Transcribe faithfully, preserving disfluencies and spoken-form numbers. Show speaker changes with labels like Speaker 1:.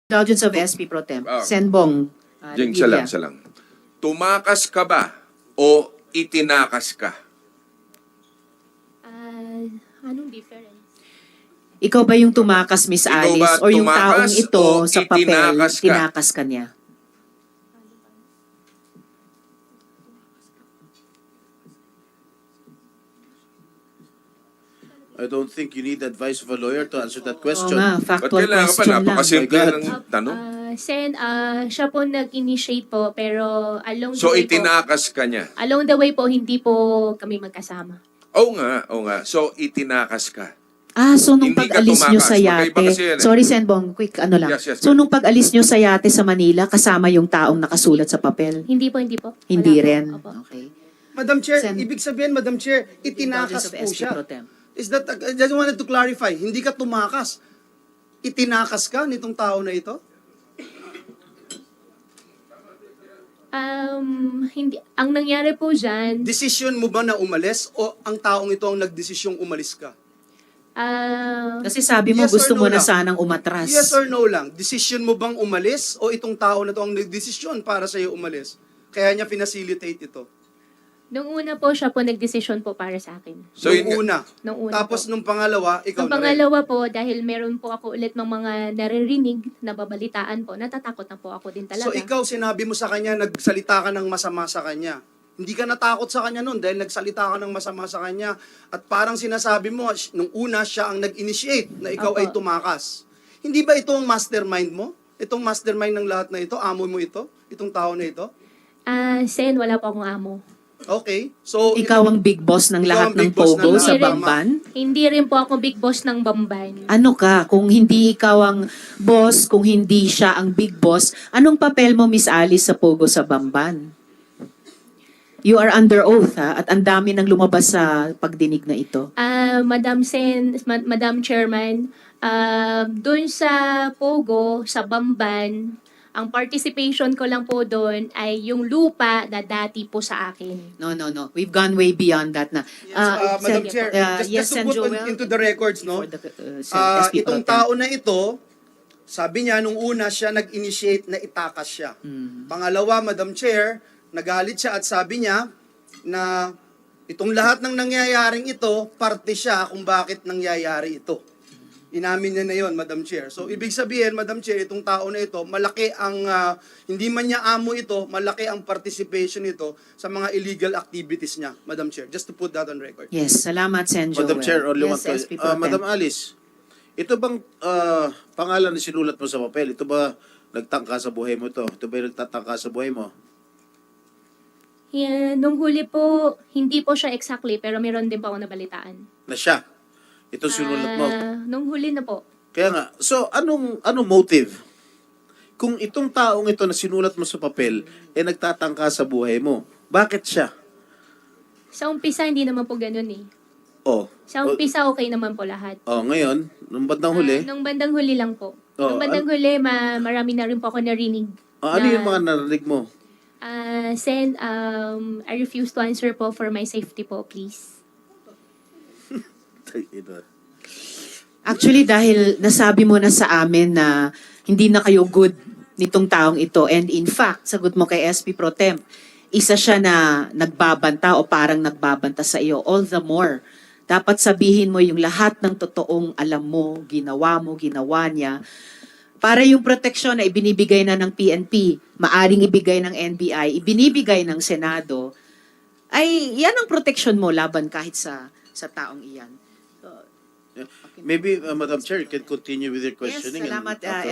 Speaker 1: Indulgence of S P Pro Tem.
Speaker 2: Ah.
Speaker 1: Senbong. Uh,
Speaker 2: Jing, isa lang, isa lang. Tumakas ka ba o itinakas ka?
Speaker 3: Ah, anong difference?
Speaker 1: Ikaw ba yung tumakas, Miss
Speaker 2: Ikaw
Speaker 1: Alice?
Speaker 2: ba
Speaker 1: Or yung taong
Speaker 2: tumakas
Speaker 1: ito
Speaker 2: o
Speaker 1: sa papel,
Speaker 2: itinakas ka?
Speaker 1: tinakas ka niya?
Speaker 4: I don't think you need advice of a lawyer to answer that
Speaker 1: Oo
Speaker 4: question.
Speaker 1: nga,
Speaker 2: Ba't
Speaker 1: factual
Speaker 2: kailangan pa?
Speaker 1: question lang.
Speaker 2: Napakasimple
Speaker 4: My God.
Speaker 2: ng tanong.
Speaker 3: Ah, Sen, ah, siya po nag-initiate po, pero along
Speaker 2: So,
Speaker 3: the way po,
Speaker 2: itinakas ka niya.
Speaker 3: along the way po, hindi po kami magkasama.
Speaker 2: Oo nga, oo nga. So, itinakas ka.
Speaker 1: Ah, so nung
Speaker 2: Hindi ka
Speaker 1: pag-alis nyo
Speaker 2: tumakas.
Speaker 1: sa
Speaker 2: Magkaiba
Speaker 1: yate,
Speaker 2: kasi yan eh.
Speaker 1: sorry Senbong, quick ano lang.
Speaker 2: Yes, yes,
Speaker 1: So
Speaker 2: ma'am.
Speaker 1: nung pag-alis nyo sa yate sa Manila, kasama yung taong nakasulat sa papel?
Speaker 3: Hindi po, hindi po. Wala
Speaker 1: Hindi
Speaker 3: po.
Speaker 1: rin?
Speaker 3: Opo.
Speaker 1: Okay.
Speaker 5: Madam Chair,
Speaker 1: Sen-
Speaker 5: ibig sabihin, Madam Chair, itinakas
Speaker 1: Indulgence of
Speaker 5: po
Speaker 1: S P
Speaker 5: siya.
Speaker 1: Pro Tem.
Speaker 5: Is that, I just wanted to clarify, hindi ka tumakas. Itinakas ka nitong tao na ito?
Speaker 3: Um, hindi, ang nangyari po dyan,
Speaker 5: Decision mo ba na umalis o ang taong ito ang nagdesisyong umalis ka?
Speaker 3: ah,
Speaker 1: Kasi sabi mo
Speaker 5: Yes or
Speaker 1: gusto
Speaker 5: no
Speaker 1: mo na
Speaker 5: lang?
Speaker 1: sanang umatras.
Speaker 5: Yes or no lang? Decision mo bang umalis o itong tao na ito ang nagdesisyon para sa'yo umalis? Kaya niya pinacilitate ito.
Speaker 3: nung una po siya po nagdesisyon po para sa akin.
Speaker 2: So, yun
Speaker 5: nung
Speaker 2: nga.
Speaker 5: una.
Speaker 3: Nung una
Speaker 5: Tapos
Speaker 3: po.
Speaker 5: nung pangalawa, ikaw
Speaker 3: Ang
Speaker 5: na rin.
Speaker 3: pangalawa po, dahil meron po ako ulit ng mga naririnig na babalitaan po, natatakot na po ako din talaga.
Speaker 5: So ikaw, sinabi mo sa kanya, nagsalita ka ng masama sa kanya. Hindi ka natakot sa kanya noon dahil nagsalita ka ng masama sa kanya. At parang sinasabi mo, sh- nung una, siya ang nag-initiate na ikaw
Speaker 3: Opo.
Speaker 5: ay tumakas. Hindi ba ito ang mastermind mo? Itong mastermind ng lahat na ito? Amo mo ito? Itong tao na ito?
Speaker 3: Ah, Sen, wala po akong amo.
Speaker 5: Okay. So,
Speaker 1: Ikaw ang big boss ng
Speaker 5: Ikaw
Speaker 1: lahat
Speaker 5: ang
Speaker 1: ng
Speaker 5: big boss ng
Speaker 1: Pogo
Speaker 5: lahat.
Speaker 1: sa
Speaker 3: Hindi rin-
Speaker 1: Bamban?
Speaker 3: Hindi rin po ako big boss ng Bamban.
Speaker 1: Ano ka? Kung hindi ikaw ang boss, kung hindi siya ang big boss, anong papel mo, Miss Alice, sa Pogo sa Bamban? You are under oath, ha? At ang dami nang lumabas sa pagdinig na ito.
Speaker 3: Ah, Madam Sen, Ma- Madam Chairman, ah, doon sa Pogo, sa Bamban, ang participation ko lang po doon ay yung lupa na dati po sa akin.
Speaker 1: No, no, no. We've gone way beyond that na.
Speaker 5: yes, uh, Madam
Speaker 1: Sen-
Speaker 5: Chair,
Speaker 1: uh,
Speaker 5: just,
Speaker 1: yes,
Speaker 5: just to
Speaker 1: Sen
Speaker 5: put on-
Speaker 1: Joel,
Speaker 5: into the records, no?
Speaker 1: before the, uh, Sen-
Speaker 5: Ah,
Speaker 1: S P Pro
Speaker 5: itong
Speaker 1: Tem.
Speaker 5: tao na ito, sabi niya, nung una siya nag-initiate na itakas siya.
Speaker 1: Hmm.
Speaker 5: Pangalawa, Madam Chair, nagalit siya at sabi niya na itong lahat ng nangyayaring ito, parte siya kung bakit nangyayari ito. Inamin niya na yon, Madam Chair. So, ibig sabihin, Madam Chair, itong tao na ito, malaki ang, ah, hindi man niya amo ito, malaki ang participation nito sa mga illegal activities niya, Madam Chair. Just to put that on record.
Speaker 1: Yes, salamat, Sen Joel.
Speaker 4: Madam Chair, only one
Speaker 1: yes, S P
Speaker 4: question.
Speaker 1: Pro
Speaker 4: Uh,
Speaker 1: Tem.
Speaker 4: Madam Alice, ito bang ah, pangalan na sinulat mo sa papel? Ito ba nagtangka sa buhay mo to? Ito ba yung nagtatangka sa buhay mo?
Speaker 3: Yeah, nung huli po, hindi po siya exactly, pero meron din po ako nabalitaan.
Speaker 4: Na siya? Ito sinulat mo?
Speaker 3: Ah, nung huli na po.
Speaker 4: Kaya nga, so anong anong motive? Kung itong taong ito na sinulat mo sa papel, eh nagtatangka sa buhay mo, bakit siya?
Speaker 3: Sa umpisa, hindi naman po ganun eh.
Speaker 4: Oh,
Speaker 3: Sa umpisa, okay naman po lahat.
Speaker 4: oh ngayon, nung bandang huli,
Speaker 3: Ah, nung bandang huli lang po.
Speaker 4: Oh,
Speaker 3: nung bandang huli, ma marami na rin po ako narinig.
Speaker 4: ah, ano
Speaker 3: na,
Speaker 4: yung mga narinig mo?
Speaker 3: Ah, Sen, um, I refuse to answer po for my safety po, please.
Speaker 1: Actually, dahil nasabi mo na sa amin na hindi na kayo good nitong taong ito. And in fact, sagot mo kay S P Pro Tem, isa siya na nagbabanta o parang nagbabanta sa iyo. All the more, dapat sabihin mo yung lahat ng totoong alam mo, ginawa mo, ginawa niya. Para yung proteksyon na ibinibigay na ng P N P, maaring ibigay ng N B I, ibinibigay ng Senado, ay yan ang proteksyon mo laban kahit sa sa taong iyan.
Speaker 4: Maybe, uh, Madam Chair, you can continue with your questioning.
Speaker 1: Yes,
Speaker 4: and
Speaker 1: salamat, uh,
Speaker 4: after